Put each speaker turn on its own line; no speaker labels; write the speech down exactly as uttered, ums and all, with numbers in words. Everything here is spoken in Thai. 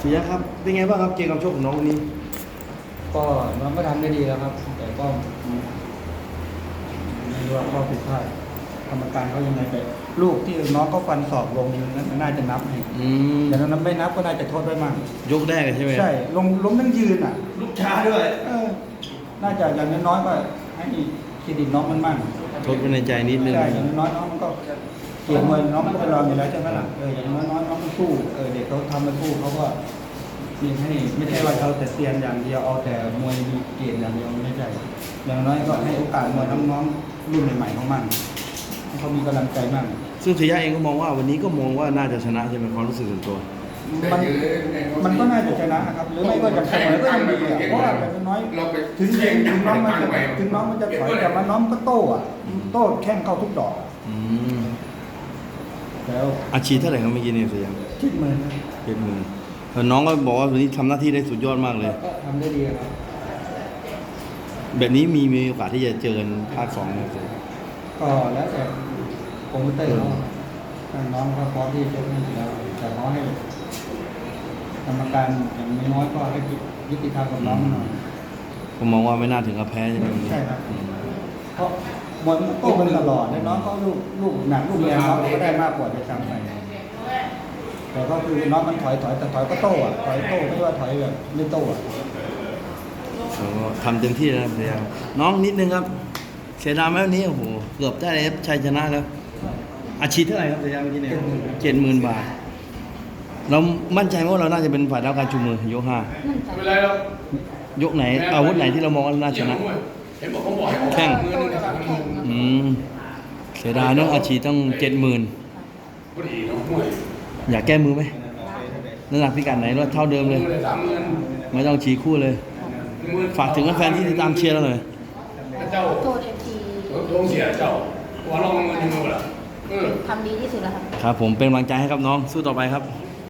เสียครับเป็นไงบ้างครับเกมการชกของน้องวันนี้
ก็น้องก็ทำได้ดีแล้วครับ แต่ก็ไม่รู้ว่าข้อผิดพลาดกรรมการเขายังไงแต่ลูกที่น้องก็ฟันศอกลงนั้นน่าจะนับให้
อืม
แต่นั้นไม่นับก็น่าจะโทษไว้มั่ง
ยกแรกใช่ไหม
ใช่ลงล้มทั้งยืนอ่ะ
ลูกช้าด้วย
เออน่าจะอย่างน้อยๆก็ให้เครดิตน้องมันมั่ง
ทดไว้ในใจนิดนึง
ใช่อย่างน้อยๆน้องมันก็เก่งมวยน้องมันก็ไปลองอยู่แล้วใช่ไหมล่ะเอออย่างน้อยๆน้องมันสู้เออเด็กเขาทำมาสู้เขาก็มีให้ไม่ใช่ว่าเขาแต่เซียนอย่างเดียวเอาแต่มวยมีเกณฑ์อย่างเดียวไม่ใช่อย่างน้อยก็ให้โอกาสมวยน้องๆรุ่นใหม่ๆเขามั่งให้เขามีกำลังใจมั่ง
ซึ่งเสียเองก็มองว่าวันนี้ก็มองว่าน่าจะชนะใช่ไหมความรู้สึกส่วนตัว
มันมันก็น่าจะชนะครับหรือไม่ก็จะเสมอก็ยังดีอ่ะเพราะว่าอย่างน้อยถึงถึงถึงน้องมันจะถึงน้องมันจะถอยแต่ว่าน้องก็โต้อ่ะโต้แข้งเข้าทุกดอก
อืม
แล้ว
อาชีพเท่าไหร่ครับเมื่อกี้เนี่ยเสีย
คิดเหมือน
เจ็ดหมื่นน้องก็บอกว่าวันนี้ทำหน้าที่ได้สุดยอดมากเลย
ก็ทำได้ดีครับ
แบบนี้มีมีโอกาสที่จะเจอกันภาคสองไหมครับเสีย
ก็แล้วแต่โปรโมเตอร์เขาถ้าน้องเขาพร้อมที่จะเล่นอยู่แล้วแต่ขอให้กรรมการอย่างน้อยๆก็ให้ยุติธรรมกับน้องหน่อย
ผมมองว่าไม่น่าถึงกับแพ้ใช่ไหมวันนี้
ใช่ครับเพราะบอลมันโต้กันตลอดแล้วน้องเขาลูกลูกหนักลูกแรงน้องก็ได้มากกว่าจะซ้ำไปแต่ก็คือน้องมันถอยถอยแต่ถอยก็โต้อะถอยโต้ไม่ใช่ว่าถอยแบบไม่โต้อะ
ผมก็ทำเต็มที่แล้วครับเสียน้องนิดนึงครับเสียดายไหมวันนี้โอ้โหเกือบได้เลยครับชัยชนะแล้วอาชีพเท่าไหร่ครับเสียเมื่อกี้เนี่ยเจ็ดหมื่นบาทเรามั่นใจไหมว่าเราน่าจะเป็นฝ่ายรับการชูมือยกห้า
มั่นใจ
ไม่เป็นไรหรอก
ยกไหนอาวุธไหนที่เรามองว่าน่าชนะ
เห็นบอกเขาบอกให้ออก
แข้ง
มือนึงนะครับ
อืมเสียดายเนาะอาชีพต้องเจ็ดหมื่น
พอดีเนาะมวย
อยากแก้มือไหมน้ำหนักพิกัดไหนว่าเท่าเดิมเลย
มือเลยสามหมื่น
ไม่ต้องชี้คู่เลย
หมื่น
ฝากถึงแฟนๆที่ติดตามเชียร์เราหน่อย
เจ้า
โทษเอฟที
โดนเสียเจ้าหัวลองเงินยังไงล่ะเออ
ทำดีที่สุดแล้วครับ
ครับผมเป็นกำลังใจให้ครับน้องสู้ต่อไปครับ
ค